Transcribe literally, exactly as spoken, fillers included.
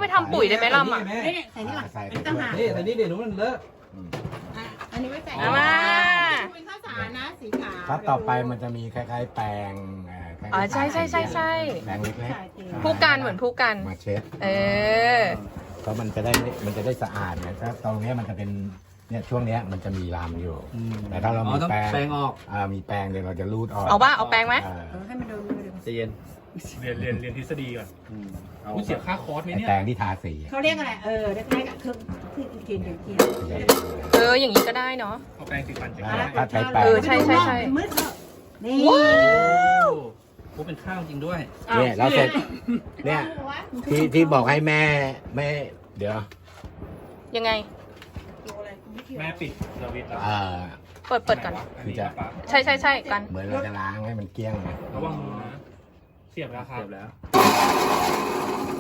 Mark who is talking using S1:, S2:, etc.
S1: ทำปุ๋ยได้ไหมล่ะอ่ะ
S2: นี่ใส่นี่ก่อน
S3: ใส่
S2: เป็นต่างหาก
S4: นี่แต่นี่เดี๋ยวมันเลอะ
S2: อ่ะอันนี้ไว้ใส่
S1: เอามา
S2: เป็นข้าวสารนะสีขาว
S3: ถ้าต่อไปมันจะมีคล้ายๆแปรงเอ่อคล้ายๆ
S1: อ๋อใช่ใช่ใช่ใช่
S3: แปรงเล็ก
S1: ผู้กันเหมือนผู้กัน
S3: ๆมาเช็ด
S1: เออ
S3: เพราะมันจะได้มันจะได้สะอาดเนี่ยถ้าตรงเนี้ยมันจะเป็นเนี่ยช่วงเนี้ยมันจะมีรามอยู่ แต่ถ้าเรา
S4: อ๋อ
S3: มี
S4: ต้อง
S3: แปรง
S4: แปรงออก
S3: อ่ามีแปรงเดี๋ยวเราจะรูดออก
S1: เอาป่ะเอาแปรงไหม
S3: เออ
S2: เออให้มันโดนมือเดี๋ยว
S4: ใจเย็น
S5: เรียนเรียนเรียนทฤษฎีก่อน
S4: เอา
S5: คุณเสียค่าคอร์สไหม
S3: ไอ้
S5: เนี่ย
S3: แปรงที่ทาสี
S2: เขาเรียกอะไรเออเรียกอะไรกับเครื่องที่กินเดี๋ยวกิน
S1: เอออย่างนี้ก็ได้เนาะ
S5: เอาแปรงสีฟันจาก
S3: อ่า
S5: ไหน
S3: ถ้าใช้แปรง
S1: เออใช่ใช่ใช่
S2: มืดเถอะนี่
S1: ว้าว
S4: โอ้เป็นข้าวจริงด้วย
S3: เนี่ยเราเสร็จเนี่ยที่ที่บอกให้แม่แม่เดี๋ยว
S1: ยังไง
S5: แม่ปิดสวิตช์แล้ว
S3: เอ่อ
S1: เปิดเปิดก่อน
S5: อันนี้ปั๊บ
S1: ใช่ใช่ใช่กัน
S3: เหมือนเราจะล้างให้มันเกลี้ยงนะ
S5: ระวังมือนะ เสียบแล้วครับ
S4: เสร็จแล้ว